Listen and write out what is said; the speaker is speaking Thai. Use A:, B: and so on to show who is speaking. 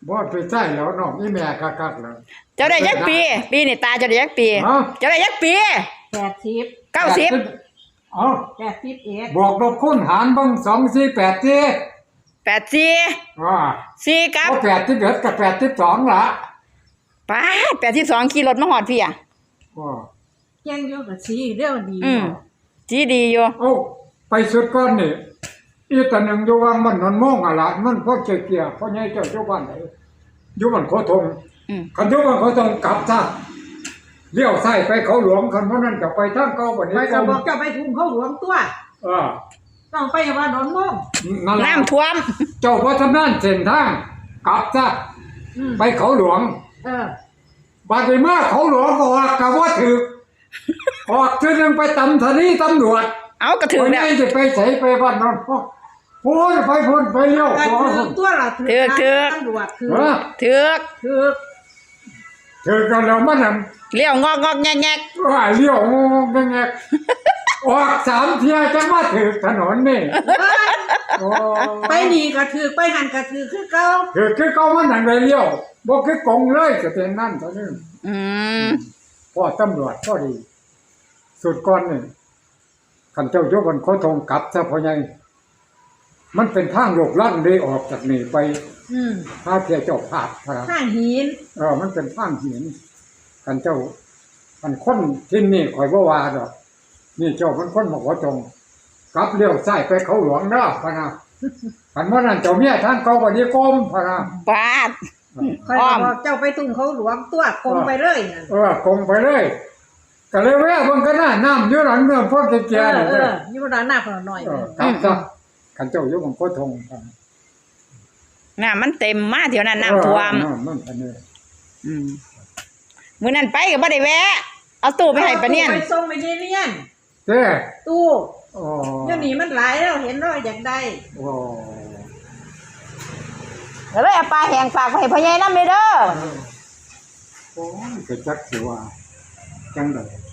A: บ่ไปใช่แล้วน้องอีแม่คักๆแล้ว
B: เจ้าได้ยักปีปีนี่ตาเจ้าได้ยักปีเจ้าได้ยักปี
C: 80
B: 90
A: เอ้า
C: 81
A: บวกลบคูณหารเบิ่ง2 4 8สิ
B: 84 4กับ
A: บ่81กับ82ล่ะ
B: ป้า82ขี่รถมาฮอดพี่อ่ะ
C: แจ้งอยู่กับสีเร็วดี
B: จีดีอยู่
A: เอ้าไปสุดก่อนนี่อีตาหนึ่งอยู่วังมันนนม่วงอะล่ะมันพวกเกียร์พ่อใหญ่เจ้าอยู่บ้านไหนอยู่บ้านโคทงคันอยู่บ้านโคทงกลับซะเลี้ยวซ้ายไปเขาหลวงคันเพราะนั้นจะไปทางเก่าบัดนี้
C: ไปก็บอกเจ้าไปทุ่งเขาหลวงตัวต้องไปว่าดอนม่วง
B: น้ำท่วม
A: เจ้าบ่ชำนาญเส้นทางกลับซะไปเขาหลวงบัดนี้มาเขาหลวงก็ว่าก็บ่ถูกออกทีนึงไปตำสถานีตำรวจ
B: เอากระถือ
A: เนี่ยจะไปใส่ไปบ้านนอนพูนไปพูนไปเลี้ยวขวา
C: ตัวละถือตำรวจ
A: ถือกันแล้วมัน
B: เลี้ยวงอกแงก
A: ว่าเลี้ยวงอกแงกออก3 เที่ยจะมาถือถนนนี่
C: ไปนี่ก็ถือไปหันก็ถือคือเก่า
A: คือเก่ามันนั่นเลยเลี้ยวบ่คือกงเลยก็เป็นนั่นเท่านี้พ่อตำรวจพอดีสุดก่อนนี่ขันเจ้าโยบันโคทงกลับซะพ่อใหญ่มันเป็นทางโลกลั่นเลยออกจากนี่ไปถ้าเที่ยวเจ้าภาพ
C: ทางหิน
A: มันเป็นทางหินขันเจ้ามันคนที่นี่ข่อยบ่ว่าดอกนี่เจ้ามันคนมาขอจงกลับเลี้ยวซ้ายไปเขาหลวงเด้อพะนะขันว่านั่นเจ้าเมียทางเก่าบัดนี้กรมพะนะ
B: บาด
C: ค่อยบอกเจ้าไปทุ่งเขาหลวงตัวกงไปเลย
A: กงไปเลยก็เลยแวะเบิ่งกันน่ะน้ำอยู่หลังเมืองพวกแก่ๆนี่
C: อยู่ด้านหน้าพอหน่อย
A: ครับจ้ะคันเจ้าอยู่บนโคทง
B: น้ำมันเต็มมาเดี๋ยวนั้นน้ำท่วม
A: มันอันนี้
B: มื้อนั้นไปก็บ่ได้แวะเอาตู้ไปให้ปะเนี่ย
C: ไปส่งไปเนียน
A: เด้
C: ตู้เดี๋ยวนี้มันหลายแล้วเห็นแล้วอยากได้
B: แล้วเลยเอาปลาแห้งฝากไปให้พ่อใหญ่นำเด้อ
A: โอ้ยก็จักสิว่าจังได๋